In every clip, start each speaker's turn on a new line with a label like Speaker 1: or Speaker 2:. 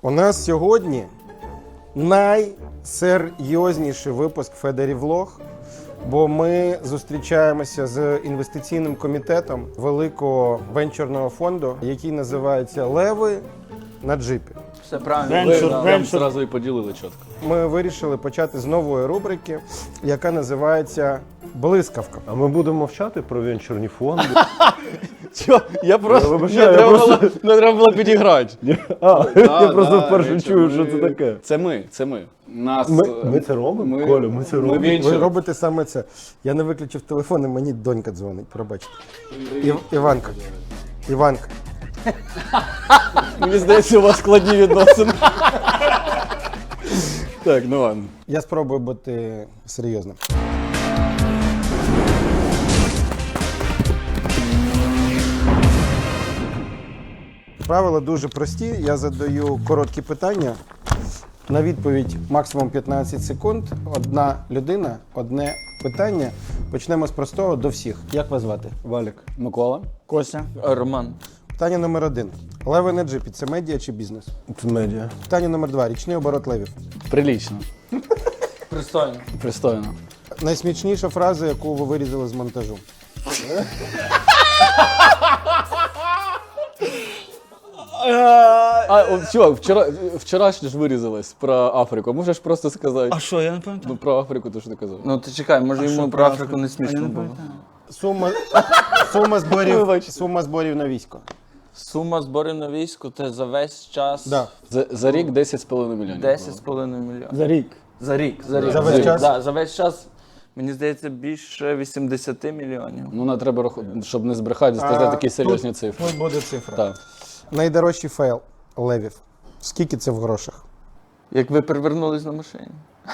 Speaker 1: У нас сьогодні найсерйозніший випуск Федерівлог, бо ми зустрічаємося з інвестиційним комітетом великого венчурного фонду, який називається «Леви на джипі».
Speaker 2: Все правильно.
Speaker 3: Прям одразу і поділили чітко.
Speaker 1: Ми вирішили почати з нової рубрики, яка називається «Блискавка».
Speaker 4: А ми будемо мовчати про венчурні фонди?
Speaker 3: Чо? Я просто... Не треба було підіграти.
Speaker 4: Я просто вперше чую, що це таке.
Speaker 3: Це ми. Нас...
Speaker 4: Ми це робимо? Коля, ми це робимо?
Speaker 1: Ви робите саме це. Я не виключив телефон, і мені донька дзвонить, пробачте. Іванка.
Speaker 3: Мені здається, у вас складні відносини. Так, ну ладно.
Speaker 1: Я спробую бути серйозним. Правила дуже прості. Я задаю короткі питання. На відповідь максимум 15 секунд. Одна людина, одне питання. Почнемо з простого до всіх. Як вас звати?
Speaker 4: Валік.
Speaker 3: Микола?
Speaker 2: Костя. Роман.
Speaker 1: Питання номер 1. Леви на джипі – це медіа чи бізнес?
Speaker 4: Це медіа.
Speaker 1: Питання номер 2. Річний оборот левів.
Speaker 3: Прилічно.
Speaker 2: Пристойно.
Speaker 3: Пристойно.
Speaker 1: Найсмішніша фраза, яку ви вирізали з монтажу.
Speaker 3: Чувак, вчорашнє ж вирізалось про Африку. Можеш просто сказати?
Speaker 2: А що, я не пам'ятаю?
Speaker 3: Ну, про Африку то що ти казав.
Speaker 2: Ну ти чекай, може йому про Африку не смішно було.
Speaker 1: Сума зборів на військо.
Speaker 2: Сума зборів на військо, це за весь час
Speaker 1: Да.
Speaker 3: За рік 10,5 мільйонів.
Speaker 2: 10,5 мільйонів.
Speaker 4: За рік.
Speaker 2: За рік.
Speaker 1: За весь час?
Speaker 2: Да, за весь час, мені здається, більше 80 мільйонів.
Speaker 3: Ну, не треба, щоб не збрехати, сказати такі серйозні цифри.
Speaker 1: Тут буде цифра.
Speaker 3: Так.
Speaker 1: Найдорожчий фейл левів. Скільки це в грошах?
Speaker 2: Як ви перевернулись на машині.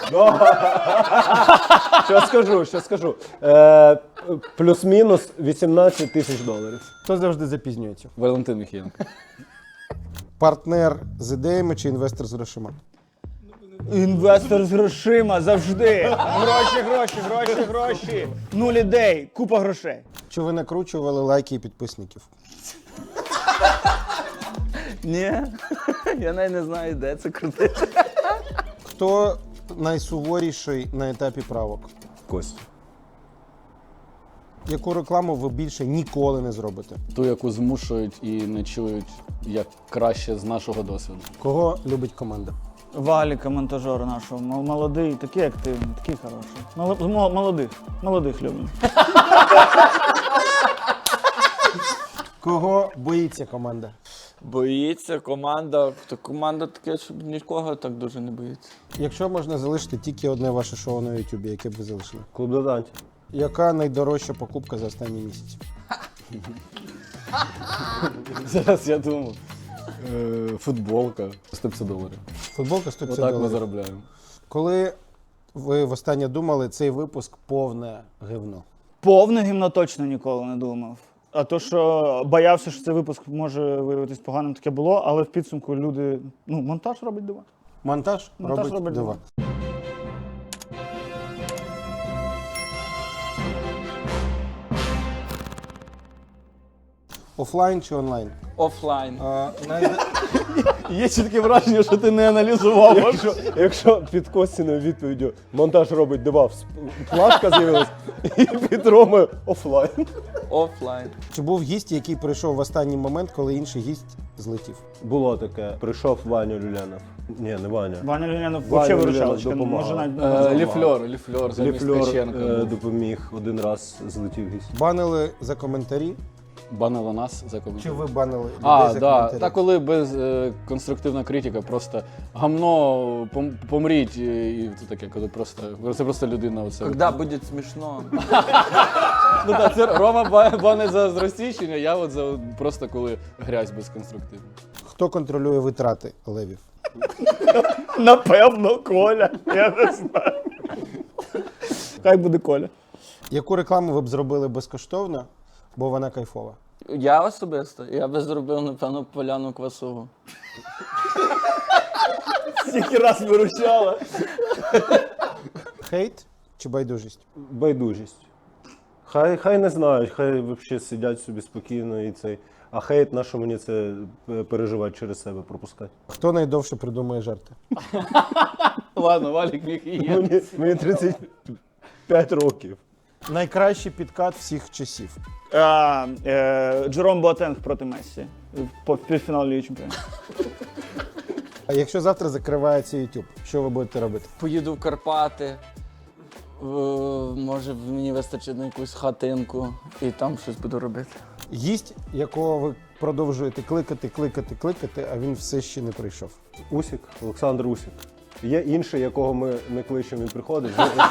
Speaker 4: Що скажу. Плюс-мінус 18 тисяч доларів.
Speaker 1: Хто завжди запізнюється?
Speaker 3: Валентин Міхієнко.
Speaker 1: Партнер з ідеями чи інвестор з грошима?
Speaker 5: Інвестор з грошима завжди. Гроші. Нуль ідей, купа грошей.
Speaker 1: Чи ви накручували лайки і підписників?
Speaker 2: Ні, я навіть не знаю, де це крутити.
Speaker 1: Хто найсуворіший на етапі правок?
Speaker 4: Костя.
Speaker 1: Яку рекламу ви більше ніколи не зробите?
Speaker 3: Ту, яку змушують і не чують, як краще з нашого досвіду.
Speaker 1: Кого любить команда?
Speaker 5: Валіка, монтажер нашого, молодий, такий активний, такий хороший. Молодих любимо.
Speaker 1: Кого боїться команда?
Speaker 2: Боїться команда, то команда таке, щоб нікого так дуже не боїться.
Speaker 1: Якщо можна залишити тільки одне ваше шоу на Ютубі, яке б ви залишили?
Speaker 4: Клуб додантів.
Speaker 1: Яка найдорожча покупка за останній місяць?
Speaker 3: Зараз я думав. Футболка. 150 доларів.
Speaker 1: Футболка 150
Speaker 3: Отак ми
Speaker 1: доларів.
Speaker 3: заробляємо.
Speaker 1: Коли ви востаннє думали, цей випуск повне гивно?
Speaker 5: Повне гімно точно ніколи не думав. А то, що боявся, що цей випуск може виявитись поганим, таке було, але в підсумку люди, монтаж робить дива.
Speaker 1: Монтаж робить
Speaker 5: робить
Speaker 1: дива. Офлайн чи онлайн?
Speaker 2: Офлайн.
Speaker 3: Є чітке враження, що ти не аналізував.
Speaker 4: Якщо під Костіною відповіддю монтаж робить дива, плашка з'явилась, і під Ромою офлайн.
Speaker 2: Офлайн.
Speaker 1: Чи був гість, який прийшов в останній момент, коли інший гість злетів?
Speaker 4: Було таке. Прийшов Ваня Люлянов. Ні, не Ваня.
Speaker 5: Ваня Люлянов
Speaker 4: Ваня
Speaker 5: взагалі
Speaker 4: Люлянов
Speaker 5: виручалочка.
Speaker 4: допомагав.
Speaker 5: Може навіть
Speaker 3: Ліфльор замість
Speaker 4: Ліфльор
Speaker 3: Ткаченка.
Speaker 4: допоміг, один раз злетів гість.
Speaker 1: Банили за коментарі?
Speaker 3: Банила нас за
Speaker 1: Чи
Speaker 3: коментар.
Speaker 1: ви банили людей
Speaker 3: А,
Speaker 1: за
Speaker 3: да.
Speaker 1: коментарі?
Speaker 3: Та коли без конструктивна критика, просто гамно, помріть, і це таке, коли це просто людина оце.
Speaker 2: Когда буде смішно?
Speaker 3: Ну так, це Рома бане за зростічення, я от за просто коли грязь безконструктивна.
Speaker 1: Хто контролює витрати левів?
Speaker 5: напевно Коля. Я не знаю. Хай буде Коля.
Speaker 1: Яку рекламу ви б зробили безкоштовно, бо вона кайфова?
Speaker 2: Я особисто? Я би зробив, напевно, поляну квасову.
Speaker 5: Стільки раз виручала.
Speaker 1: Хейт чи байдужість?
Speaker 4: Байдужість. Хай не знають, хай взагалі сидять собі спокійно і цей. А хейт, на що мені це переживати через себе, пропускати?
Speaker 1: Хто найдовше придумує жарти?
Speaker 3: Ладно, Валік міг і є.
Speaker 4: Мені 35 років.
Speaker 1: Найкращий підкат всіх часів.
Speaker 5: Джером Боатенг проти Мессі. По півфіналу Ліги Чемпіонів.
Speaker 1: А якщо завтра закривається YouTube, що ви будете робити?
Speaker 2: Поїду в Карпати. Може, мені вистачить на якусь хатинку і там щось буду робити.
Speaker 1: Гість, якого ви продовжуєте кликати, а він все ще не прийшов.
Speaker 4: Усік, Олександр Усік. Є інший, якого ми не кличемо, він приходить.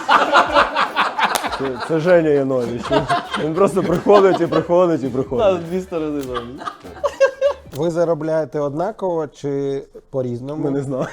Speaker 4: Це Женя Янович. Він просто приходить і приходить і приходить.
Speaker 3: Дві сторони завжди.
Speaker 1: Ви заробляєте однаково чи по-різному?
Speaker 4: Ми не знаємо.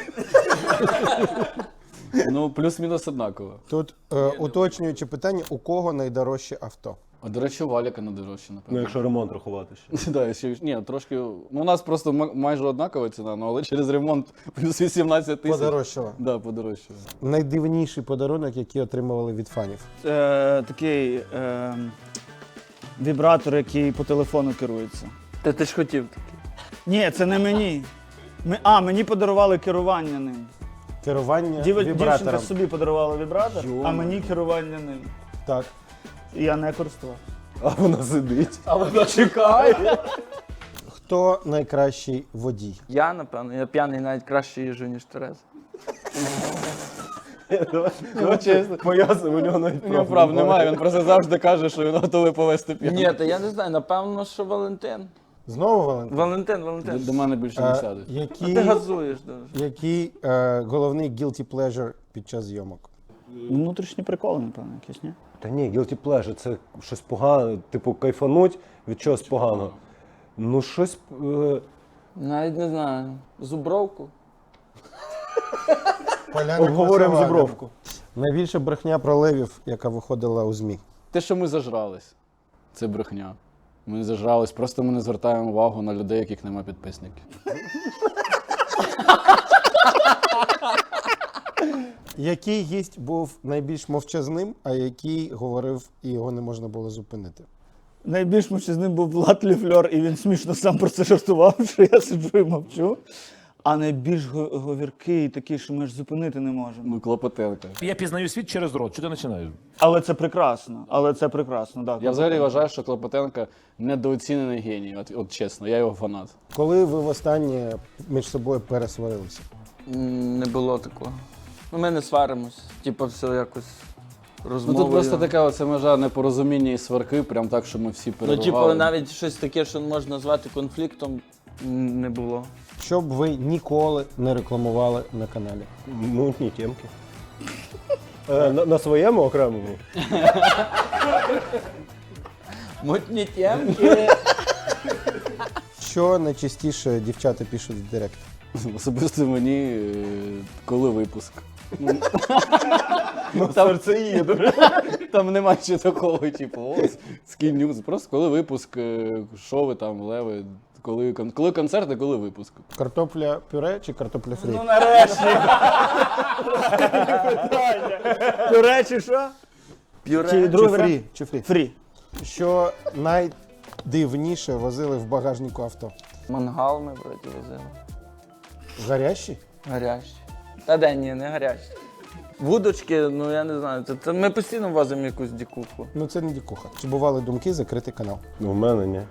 Speaker 3: Ну, плюс-мінус однаково.
Speaker 1: Тут уточнюючи питання, у кого найдорожче авто?
Speaker 3: А, до речі, у Валіка найдорожче,
Speaker 4: Ну,
Speaker 3: напевно.
Speaker 4: якщо ремонт рахувати ще.
Speaker 3: Да, ще, ні, трошки. Ну, у нас просто майже однакова ціна, ну, але через ремонт плюс 18 тисяч.
Speaker 1: Подорожчало.
Speaker 3: Да, подорожчало.
Speaker 1: Найдивніший подарунок, який отримували від фанів.
Speaker 5: Такий вібратор, який по телефону керується.
Speaker 2: Ти ж хотів такий.
Speaker 5: Ні, це не мені. Мені подарували керування ним.
Speaker 1: Керування
Speaker 5: Дівчинка
Speaker 1: вібратором.
Speaker 5: собі подарувала вібратор,
Speaker 3: Йо.
Speaker 5: а мені керування ним.
Speaker 1: Так.
Speaker 5: І я не користував.
Speaker 4: А вона сидить.
Speaker 3: А вона чекає.
Speaker 1: Хто найкращий водій?
Speaker 2: Я, напевно, я п'яний навіть краще їжджу, ніж Тереза.
Speaker 3: Ну, чесно.
Speaker 4: Пояснимо, у нього навіть
Speaker 3: У нього прав немає, він просто завжди каже, що він готовий повести п'яну.
Speaker 2: Ні, та я не знаю, напевно, що Валентин.
Speaker 1: Знову Валентин?
Speaker 2: Валентин.
Speaker 3: До мене більше не сядуть.
Speaker 2: А
Speaker 1: Який,
Speaker 2: ти газуєш дуже.
Speaker 1: який головний guilty pleasure під час зйомок?
Speaker 5: Внутрішні приколи, напевно, якісь, ні?
Speaker 4: Та ні, guilty pleasure – це щось погане, типу кайфануть від чогось поганого. Ну щось.
Speaker 2: Навіть не знаю. Зубровку?
Speaker 1: Поляна
Speaker 4: Обговорюємо
Speaker 1: Красова.
Speaker 4: зубровку.
Speaker 1: Найбільша брехня про левів, яка виходила у ЗМІ.
Speaker 3: Те, що ми зажрались, це брехня. Ми не зажрались, просто ми не звертаємо увагу на людей, яких нема підписників.
Speaker 1: Який гість був найбільш мовчазним, а який говорив і його не можна було зупинити?
Speaker 5: Найбільш мовчазним був Влад Ліфльор, і він смішно сам про це жартував, що я сиджу і мовчу. А найбільш говіркий такий, що ми ж зупинити не можемо.
Speaker 3: Ну, Клопотенко.
Speaker 6: Я пізнаю світ через рот. Чого ти починаєш?
Speaker 5: Але це прекрасно, так.
Speaker 3: Я взагалі вважаю, що Клопотенко недооцінений геній, от чесно, я його фанат.
Speaker 1: Коли ви востаннє між собою пересварилися?
Speaker 2: Не було такого. Ну, ми не сваримось. Типа все якось
Speaker 3: Ну
Speaker 2: розмовою.
Speaker 3: тут просто така оця межа непорозуміння і сварки, прям так, що ми всі
Speaker 2: Ну,
Speaker 3: перебували.
Speaker 2: типу, навіть щось таке, що можна назвати конфліктом, не було.
Speaker 1: Що б ви ніколи не рекламували на каналі?
Speaker 4: Мутні темки. На своєму окремому.
Speaker 2: Мутні темки.
Speaker 1: Що найчастіше дівчата пишуть в директ?
Speaker 3: Особисто мені, коли випуск.
Speaker 4: Серце їде.
Speaker 3: Там нема ще такого, типу, ось, скін-ньюз. Просто коли випуск, що ви там, леви, коли концерт і коли випуск.
Speaker 1: Картопля пюре чи картопля фрі?
Speaker 5: Ну нарешті. До речі, що?
Speaker 2: Пюре.
Speaker 5: Чи
Speaker 1: Чи
Speaker 5: другий
Speaker 1: фрі?
Speaker 5: варіант?
Speaker 1: Чи фрі?
Speaker 5: Фрі.
Speaker 1: Що найдивніше возили в багажнику авто?
Speaker 2: Мангал ми вроді возили.
Speaker 1: Гарячі?
Speaker 2: Гарячі. Та де ні, не гарячі. Вудочки, ну я не знаю. Це ми постійно возимо якусь дікуху.
Speaker 1: Ну це не дікуха. Чи бували думки закрити канал?
Speaker 4: Ну, в мене ні.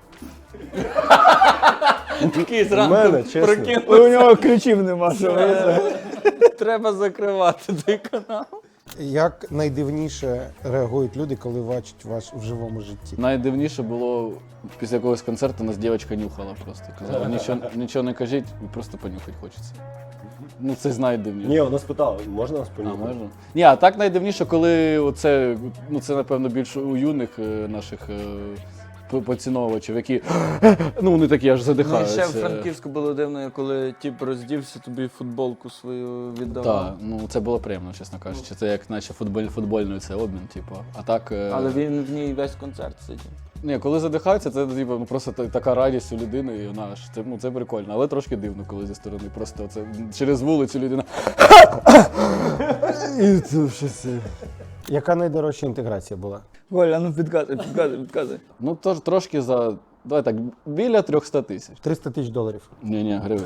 Speaker 2: Такий
Speaker 4: У мене, чесно.
Speaker 5: У нього ключів нема, що ви.
Speaker 2: Треба закривати той канал.
Speaker 1: Як найдивніше реагують люди, коли бачать вас в живому житті?
Speaker 3: Найдивніше було, після якогось концерту нас дівчинка нюхала просто. Казала, нічого не кажіть, просто понюхати хочеться. Ну це найдивніше.
Speaker 4: Ні, вона спитала, можна нас
Speaker 3: А,
Speaker 4: понюхати?
Speaker 3: можна? Ні, а так найдивніше, коли оце, ну це напевно більше у юних наших поціновувачів, які ну вони такі аж
Speaker 2: Ну і
Speaker 3: задихаються.
Speaker 2: ще в Франківську було дивно, коли тіп роздівся, тобі футболку свою віддавав.
Speaker 3: Так, ну це було приємно, чесно кажучи. Це як наче футбольний це обмін, типу. А так.
Speaker 2: Але він в ній весь концерт сидів.
Speaker 3: Ні, коли задихаються, це типу, ну, просто така радість у людини, і вона аж це прикольно, але трошки дивно, коли зі сторони. Просто це через вулицю людина. І це щось.
Speaker 1: Яка найдорожча інтеграція була?
Speaker 5: Коля, ну підказуй.
Speaker 3: Ну тож трошки за Давай так, біля 300 тисяч.
Speaker 1: 300 тисяч доларів.
Speaker 3: Ні, гривень.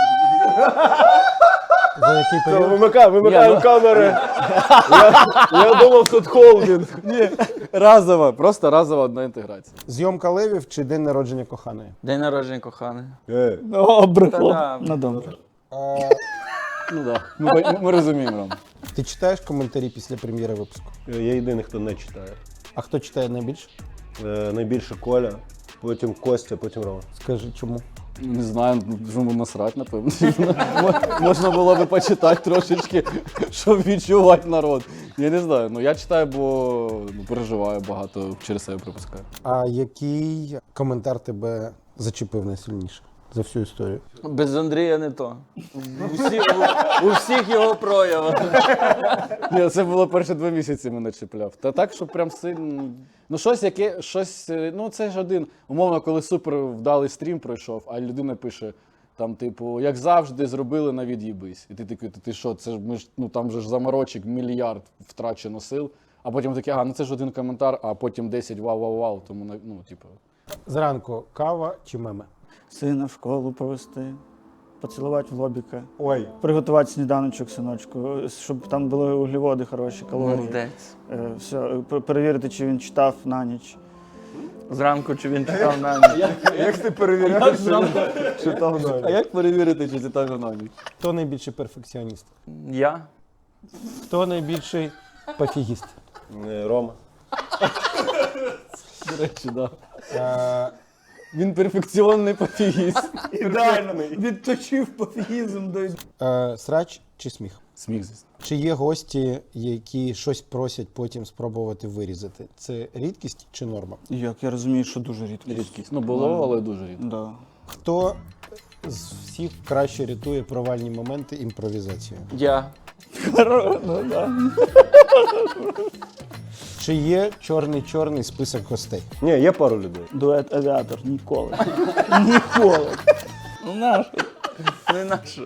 Speaker 1: За який період?
Speaker 4: Вимикаємо
Speaker 3: Ні, ну-
Speaker 4: камери. Я думав, тут холдинг.
Speaker 3: Разова, просто разова одна інтеграція.
Speaker 1: Зйомка левів чи день народження коханої?
Speaker 2: День народження коханий.
Speaker 5: О, брехло.
Speaker 2: Та-да.
Speaker 5: Ну, добре.
Speaker 3: Ну так, ми розуміємо, Ром.
Speaker 1: Ти читаєш коментарі після прем'єри випуску?
Speaker 4: Я єдиний, хто не читає.
Speaker 1: А хто читає найбільше?
Speaker 4: Найбільше Коля, потім Костя, потім Рома.
Speaker 1: Скажи, чому?
Speaker 3: Не знаю, ну насрать, напевно. Можна було би почитати трошечки, щоб відчувати народ. Я не знаю, ну я читаю, бо переживаю багато, через себе пропускаю.
Speaker 1: А який коментар тебе зачепив найсильніше за всю історію?
Speaker 2: Без Андрія не то. У всіх його проявах.
Speaker 3: Ні, це було перші 2 місяці мене чіпляв. Та так, що прям сильно. Ну, ну це ж один. Умовно, коли супер вдалий стрім пройшов, а людина пише, там, типу, як завжди, зробили на від'їбись. І ти такий, ти що, це ж ми ж, ну там же ж заморочок, мільярд втрачено сил. А потім такий, ну це ж один коментар, а потім 10 вау-вау-вау. Тому, ну, типу.
Speaker 1: Зранку кава чи меми?
Speaker 5: Сина в школу повести, поцілувати в лобіка,
Speaker 1: Ой,
Speaker 5: приготувати сніданочок, синочку, щоб там були вуглеводи хороші, калорії.
Speaker 2: Молодець.
Speaker 5: Все, перевірити, чи він читав на ніч.
Speaker 2: Зранку чи він читав на ніч.
Speaker 4: Як ти перевіряєш, що там
Speaker 3: А як перевірити, чи це там на ніч?
Speaker 1: хто найбільший перфекціоніст?
Speaker 2: Я?
Speaker 1: Хто найбільший пофігіст?
Speaker 4: Рома.
Speaker 3: До речі, да.
Speaker 1: Е,
Speaker 3: Він перфекціонний пофігіст.
Speaker 5: Ідеально. Відточив пофігізм до...
Speaker 1: Срач чи сміх?
Speaker 3: Сміх, звісно.
Speaker 1: Чи є гості, які щось просять потім спробувати вирізати? Це рідкість чи норма?
Speaker 5: Як я розумію, що дуже рідко.
Speaker 3: Рідкість. Ну, було, але дуже рідко.
Speaker 5: Да.
Speaker 1: Хто з всіх краще рятує провальні моменти імпровізацією?
Speaker 2: Я.
Speaker 5: Ну, да.
Speaker 1: Чи є чорний список гостей?
Speaker 4: Ні, є пару людей.
Speaker 5: Дует авіатор. Ніколи. Ніколи.
Speaker 2: Ну наш. Не наша.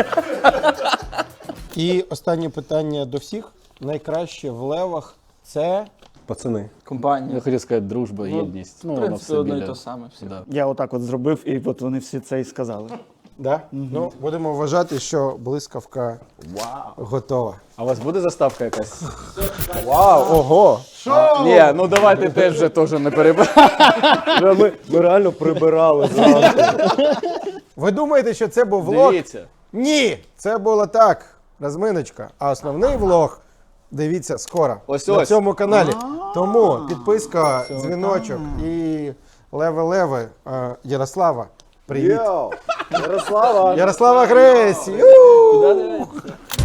Speaker 1: І останнє питання до всіх. Найкраще в левах це
Speaker 4: Пацани.
Speaker 2: Компанія.
Speaker 3: Я хотів сказати, дружба, єдність. Ну,
Speaker 2: В
Speaker 3: воно
Speaker 2: принципі,
Speaker 3: все
Speaker 2: одно і
Speaker 3: біля.
Speaker 2: те саме. Всі.
Speaker 3: Да.
Speaker 5: Я отак от зробив, і от вони всі це і сказали.
Speaker 1: да? Ну, будемо вважати, що блискавка готова.
Speaker 3: А у вас буде заставка якась?
Speaker 4: Вау, ого!
Speaker 3: Ні, ну давайте теж вже теж не перебираємо.
Speaker 4: Ми реально прибирали зранку.
Speaker 1: Ви думаєте, що це був влог?
Speaker 3: Дивіться.
Speaker 1: Ні! Це було так, розминочка. А основний влог дивіться скоро
Speaker 3: Ось
Speaker 1: на
Speaker 3: ось.
Speaker 1: цьому каналі. Тому підписка, дзвіночок і леве-леве. Ярослава, привіт.
Speaker 4: Йоу! Ярослава!
Speaker 1: Ярослава Гресь!
Speaker 2: Куди дивитися?